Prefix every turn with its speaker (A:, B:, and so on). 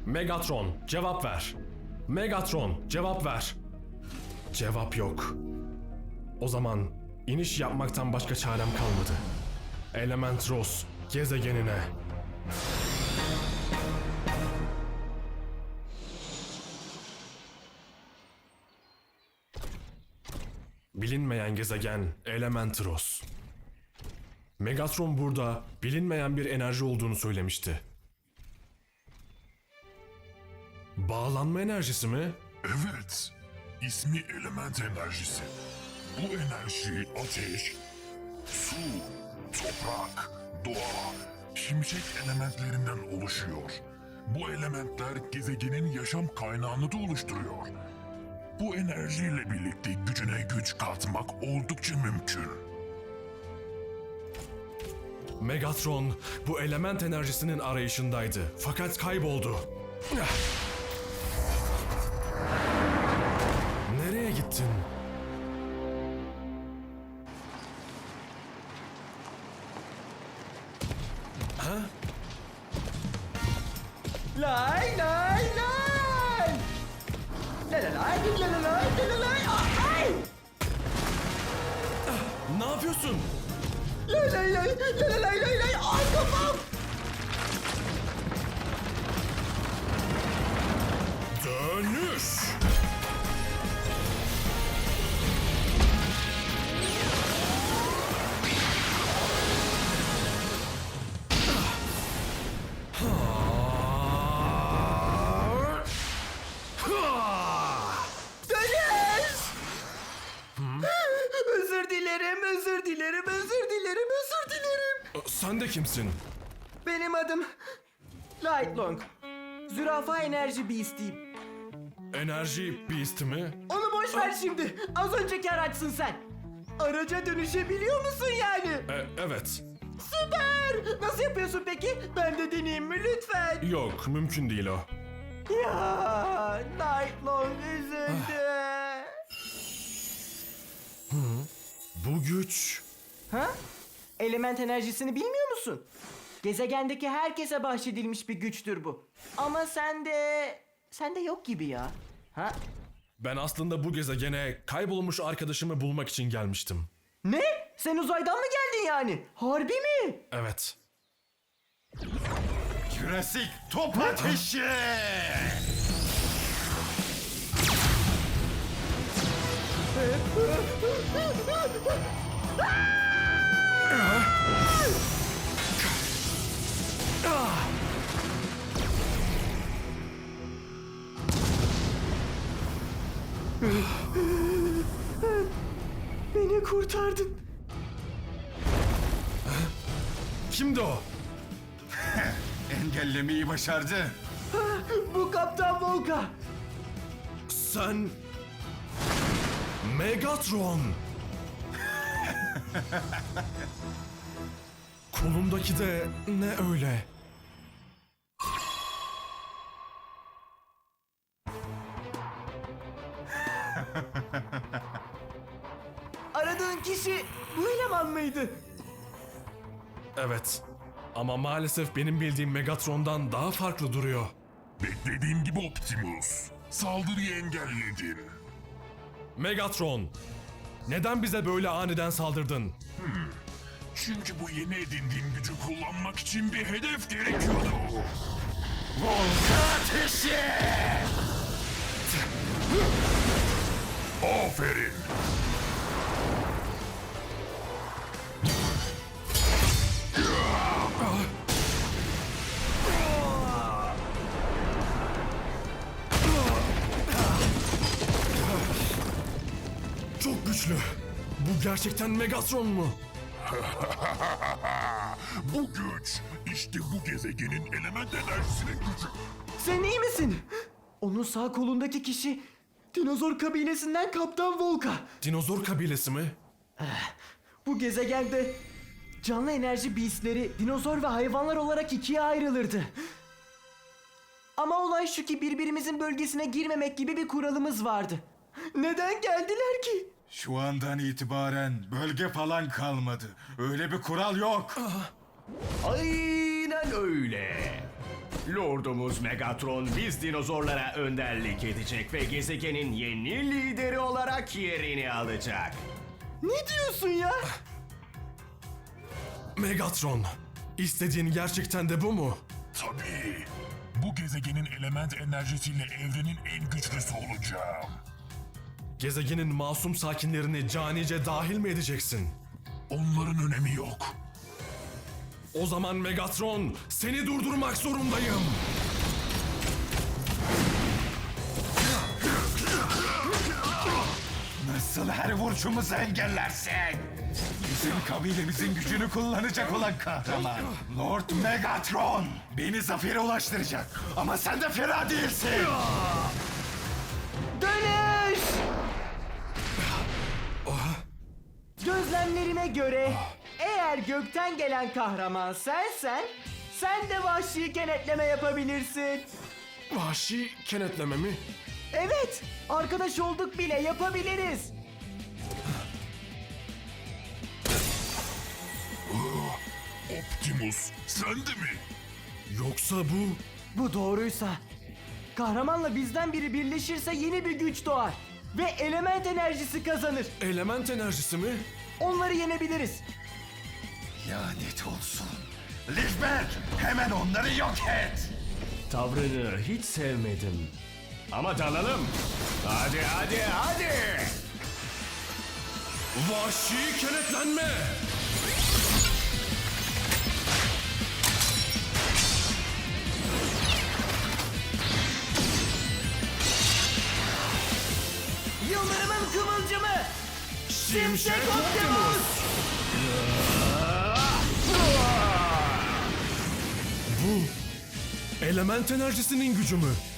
A: Megatron, cevap ver. Megatron, cevap ver. Cevap yok. O zaman iniş yapmaktan başka çarem kalmadı. Elementros gezegenine. Bilinmeyen gezegen Elementros. Megatron burada bilinmeyen bir enerji olduğunu söylemişti. Bağlanma enerjisi mi?
B: Evet, ismi element enerjisi. Bu enerji ateş, su, toprak, doğa, şimşek elementlerinden oluşuyor. Bu elementler gezegenin yaşam kaynağını da oluşturuyor. Bu enerjiyle birlikte gücüne güç katmak oldukça mümkün.
A: Megatron bu element enerjisinin arayışındaydı fakat kayboldu. Nereye gittin? Ha?
C: Lay lay lay. La la lay la la lay la la lay. Ay!
A: Ne yapıyorsun?
C: Lay lay lay la la lay lay lay. Ay kafam.
A: Dönüş!
C: Dönüş. Özür dilerim, özür dilerim, özür dilerim, özür dilerim.
A: Sen de kimsin?
C: Benim adım Lightlong. Zürafa enerji beast'iyim.
A: Enerji Beast mi?
C: Onu boş ver şimdi. Az önceki araçsın sen. Araca dönüşebiliyor musun yani?
A: Evet.
C: Süper. Nasıl yapıyorsun peki? Ben de deneyeyim mi lütfen?
A: Yok, mümkün değil o.
C: Ya Nightlong üzüldü.
A: Bu güç...
C: Ha? Element enerjisini bilmiyor musun? Gezegendeki herkese bahşedilmiş bir güçtür bu. Ama sende yok gibi ya. Ha?
A: Ben aslında bu gezegene kaybolmuş arkadaşımı bulmak için gelmiştim.
C: Ne? Sen uzaydan mı geldin yani? Harbi mi?
A: Evet.
D: Jurassic top ateşi!
C: Beni kurtardın.
A: Kimdi o?
D: Engellemeyi başardı.
C: Bu Kaptan Volka.
A: Sen... Megatron! Kolumdaki de ne öyle?
C: Aradığın kişi bu eleman mıydı?
A: Evet. Ama maalesef benim bildiğim Megatron'dan daha farklı duruyor.
B: Beklediğim gibi Optimus. Saldırıyı engelledin.
A: Megatron! Neden bize böyle aniden saldırdın?
B: Çünkü bu yeni edindiğim gücü kullanmak için bir hedef gerekiyordu.
D: Volka ateşi!
B: Aferin.
A: Çok güçlü. Bu gerçekten Megatron mu?
B: Bu güç işte bu gezegenin element enerjisinin gücü.
C: Sen iyi misin? Onun sağ kolundaki kişi dinozor kabilesinden Kaptan Volka.
A: Dinozor kabilesi mi?
C: Bu gezegende canlı enerji beastleri dinozor ve hayvanlar olarak ikiye ayrılırdı. Ama olay şu ki birbirimizin bölgesine girmemek gibi bir kuralımız vardı. Neden geldiler ki?
D: Şu andan itibaren bölge falan kalmadı. Öyle bir kural yok.
E: Aynen öyle. Lordumuz Megatron biz dinozorlara önderlik edecek ve gezegenin yeni lideri olarak yerini alacak.
C: Ne diyorsun ya?
A: Megatron, istediğin gerçekten de bu mu?
B: Tabii. Bu gezegenin element enerjisiyle evrenin en güçlüsü olacağım.
A: Gezegenin masum sakinlerini canice dahil mi edeceksin?
B: Onların önemi yok.
A: O zaman Megatron, seni durdurmak zorundayım.
D: Nasıl her vuruşumuzu engellersin? Bizim kabilemizin gücünü kullanacak olan kahraman. Lord Megatron. Beni zafere ulaştıracak. Ama sen de fena değilsin.
C: Dönüş! Gözlemlerime göre eğer gökten gelen kahraman sensen, sen de vahşi kenetleme yapabilirsin.
A: Vahşi kenetleme mi?
C: Evet, arkadaş olduk bile yapabiliriz.
B: Optimus, sen de mi?
A: Yoksa bu...
C: Bu doğruysa, kahramanla bizden biri birleşirse yeni bir güç doğar. Ve element enerjisi kazanır.
A: Element enerjisi mi?
C: Onları yenebiliriz.
D: Lanet olsun. Lisbeth, hemen onları yok et.
E: Tavrını hiç sevmedim. Ama dalalım. Hadi hadi hadi.
A: Vahşi kenetlenme!
C: Yıldırımın kıvılcımı.
A: Şimşek
C: Optimus!
A: Bu element enerjisinin gücü mü?